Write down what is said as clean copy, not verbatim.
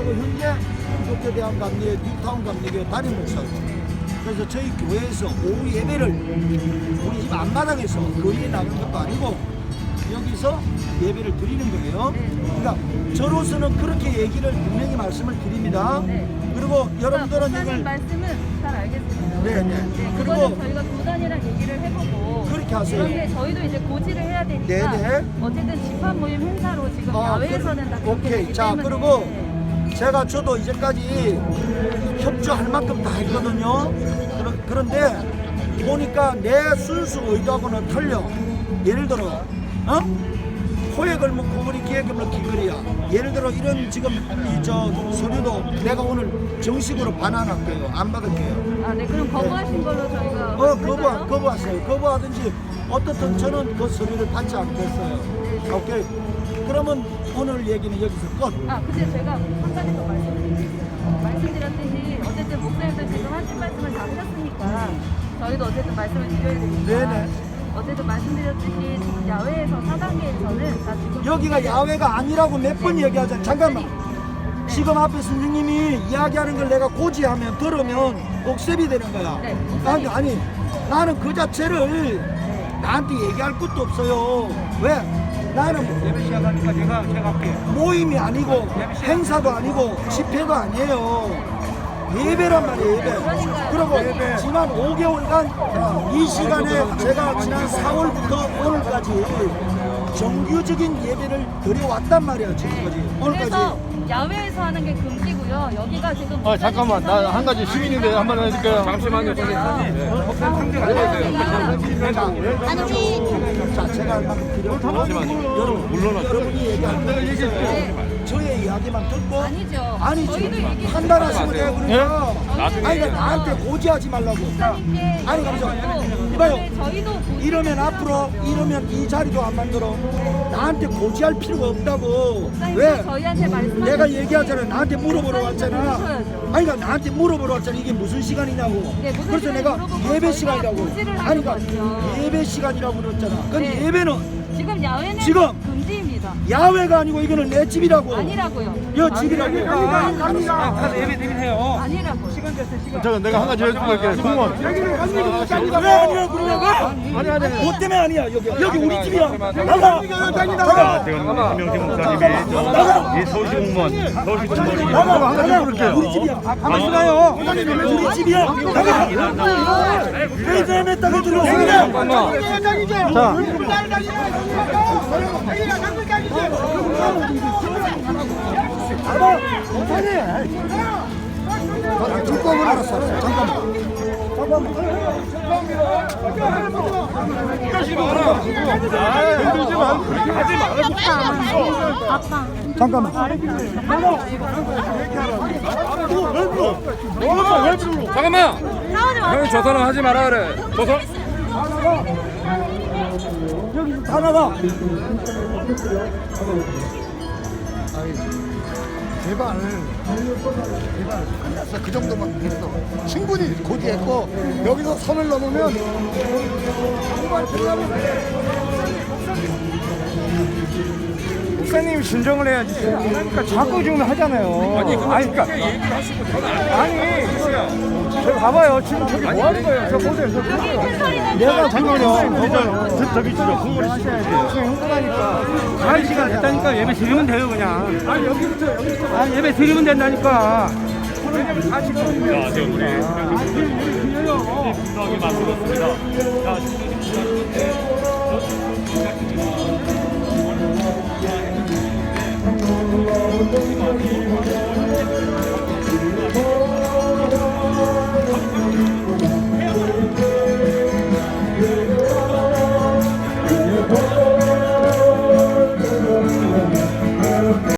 그리고 현재 기독교대학 감리교 뉴타운 감리교 담임 목사고. 그래서 저희 교회에서 오후 예배를 우리 집 앞마당에서 거리에 나가는 것도 아니고 여기서 예배를 드리는 거예요. 그러니까 저로서는 그렇게 얘기를 분명히 말씀을 드립니다. 그리고 여러분들은 목사님 말씀은 잘 알겠습니다. 네네. 그거는 그리고 저희가 교단이랑 얘기를 해보고 그렇게 하세요. 그런데 저희도 이제 고지를 해야 되니까 네네. 어쨌든 집합 모임 행사로 지금 야외에서는 다 그렇게 오케이. 되기 자, 때문에 그리고 저도 이제까지 협조할 만큼 다 했거든요. 그런데 보니까 내 순수 의도하고는 틀려. 예를 들어, 호에 걸면 고물이 기에 걸면 기거리야. 예를 들어 이런 지금 서류도 내가 오늘 정식으로 반환할게요. 안 받을게요. 아, 네, 그럼 거부하신 걸로 저희가 거부하세요. 거부하든지 어떻든 저는 그 서류를 받지 않겠어요. 오케이. 그러면 오늘 얘기는 여기서 끝. 아, 근데 제가 한 가지 더 말씀드렸듯이 어쨌든 목사님도 지금 하신 말씀을 다 하셨으니까 저희도 어쨌든 말씀을 드려야 되니까 네네. 어쨌든 말씀드렸듯이 지금 야외에서 4단계에서는 다 지금 여기가 야외가 아니라고 몇 번 얘기하잖아. 잠깐만. 지금 앞에 선생님이 이야기하는 걸 내가 고지하면 들으면 옥셉이 되는 거야. 네, 아니 나는 그 자체를 나한테 얘기할 것도 없어요. 왜? 나는 예배 시작하니까 제가 할게요. 모임이 아니고 행사도 아니고 집회도 아니에요. 예배란 말이에요. 예배. 그리고 지난 5개월간 이 시간에 제가 지난 4월부터 오늘까지 정규적인 예배를 드려왔단 말이야. 지금까지. 오늘까지. 그래서 야외에서 하는 게 금지고요. 여기가 지금 잠깐만, 나 한 가지 시민인데 한번 해줄게요. 잠시만요, 선생님. 상대가 자, 제가 할 만큼 드렸고 여러분이 얘기할 때 저의 이야기만 듣고 아니죠. 아니지 저희도 얘기 판단하시면 돼요. 그러니까 아니 그러니까 나한테 고지하지 말라고. 아니 그래서 이봐요. 저희도 이러면 앞으로 이러면 이 자리도 안 만들어. 나한테 고지할 필요가 없다고. 왜? 저희한테 말씀 내가 얘기하잖아. 나한테 물어보러 왔잖아. 물으셔야죠. 아니 그러니까 나한테 물어보러 왔잖아. 이게 무슨 시간이냐고. 네, 무슨 그래서 시간이 내가 물어보고 예배 저희가 시간이라고. 고지를 아니 하는 그러니까 거죠. 예배 시간이라고 그랬잖아. 근데 네. 예배는 지금 야외는 지금 금지입니다. 야외가 아니고 이거는 내 집이라고. 아니라고요. 여 집이라고. 가서 예배 드리세요. 아니라고요. 시간 됐어요, 시간. 잠깐 내가 한 가지 해줄게. 궁금한. 왜 아니라 그러냐고? 아니. 뭐 때문에 아니야? 여기 우리 집이야. 나가. 나가. 김명태 목사님이 서울시 공무원, 나가. 나가. 우리 집이야. 가만히 있어요. 우리 집이야. 나가. 회장했다고 들어오세요. 자, 불법을 알았어. 잠깐만. 잠깐만. 잠깐만. 형이 조선은 하지 마라 그래. 조선. 여기서 다 나가. 제발 끝났어. 그 정도만 됐어. 충분히 고지했고 여기서 선을 넘으면 목사님 진정을 해야지. 그러니까 자꾸 지금 하잖아요. 아니 그러니까 아니 저 봐봐요. 지금 저기 뭐 하는 거예요? 저 보세요. 저 보세요. 내가 잠깐만요. 저기 있죠. 궁금해 하셔야죠. 지금 흥분하니까. 한 시간 됐다니까 예배 드리면 돼요 그냥. 아니 여기부터. 아니 예배 드리면 된다니까. 왜냐면 다 지금. 자, 지금 우리 분석이 맞추었습니다. 자,